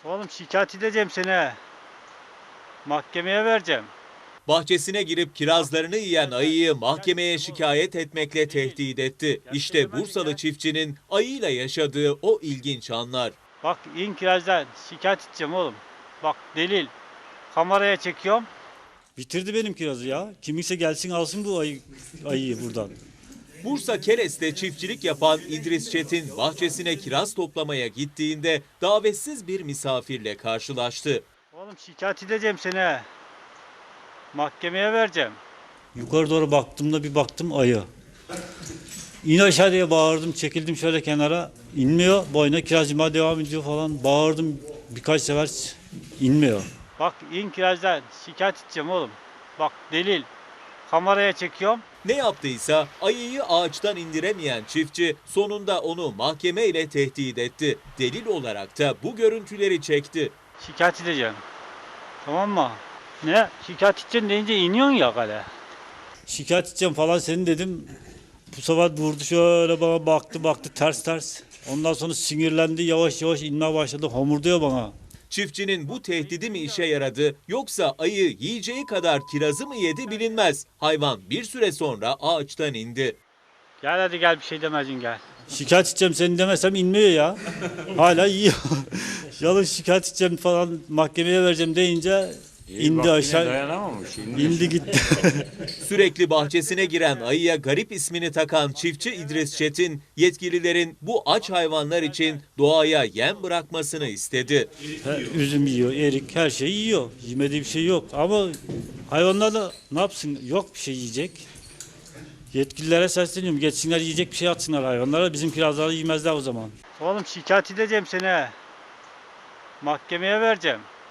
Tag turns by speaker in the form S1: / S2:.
S1: Oğlum şikayet edeceğim seni. Mahkemeye vereceğim.
S2: Bahçesine girip kirazlarını yiyen ayıyı mahkemeye şikayet etmekle tehdit etti. İşte Bursalı çiftçinin ayıyla yaşadığı o ilginç anlar.
S1: Bak in kirazdan şikayet edeceğim oğlum. Bak delil. Kameraya çekiyorum.
S3: Bitirdi benim kirazı ya. Kiminse gelsin alsın bu ayıyı buradan.
S2: Bursa Keres'te çiftçilik yapan İdris Çetin bahçesine kiraz toplamaya gittiğinde davetsiz bir misafirle karşılaştı.
S1: Oğlum şikayet edeceğim seni. Mahkemeye vereceğim.
S3: Yukarı doğru baktığımda bir baktım ayı. İn aşağı diye bağırdım, çekildim şöyle kenara. İnmiyor, boyuna kiraz yemeye devam ediyor falan. Bağırdım birkaç sefer, inmiyor.
S1: Bak in kirazdan şikayet edeceğim oğlum. Bak delil. Kameraya çekiyorum.
S2: Ne yaptıysa ayıyı ağaçtan indiremeyen çiftçi sonunda onu mahkemeyle tehdit etti. Delil olarak da bu görüntüleri çekti.
S1: Şikayet edeceğim. Tamam mı? Ne? Şikayet edeceğim deyince iniyorsun ya kale.
S3: Şikayet edeceğim falan seni dedim. Bu sefer vurdu şöyle bana baktı ters. Ondan sonra sinirlendi yavaş yavaş inmeye başladı. Homurduyor bana.
S2: Çiftçinin bu tehdidi mi işe yaradı yoksa ayı yiyeceği kadar kirazı mı yedi bilinmez. Hayvan bir süre sonra ağaçtan indi.
S1: Gel hadi gel bir şey demezsin gel.
S3: Şikayet edeceğim seni demesem inmiyor ya. Hala yiyor. Yalın şikayet edeceğim falan mahkemeye vereceğim deyince indi aşağı.
S4: Dayanamamış.
S3: İndi gitti.
S2: Sürekli bahçesine giren ayıya garip ismini takan çiftçi İdris Çetin, yetkililerin bu aç hayvanlar için doğaya yem bırakmasını istedi.
S3: Üzüm yiyor, erik her şeyi yiyor. Yemediği bir şey yok. Ama hayvanlar da ne yapsın? Yok bir şey yiyecek. Yetkililere sesleniyorum. Geçsinler yiyecek bir şey atsınlar hayvanlara. Bizim kirazları yemezler o zaman.
S1: Oğlum şikayet edeceğim seni. Mahkemeye vereceğim.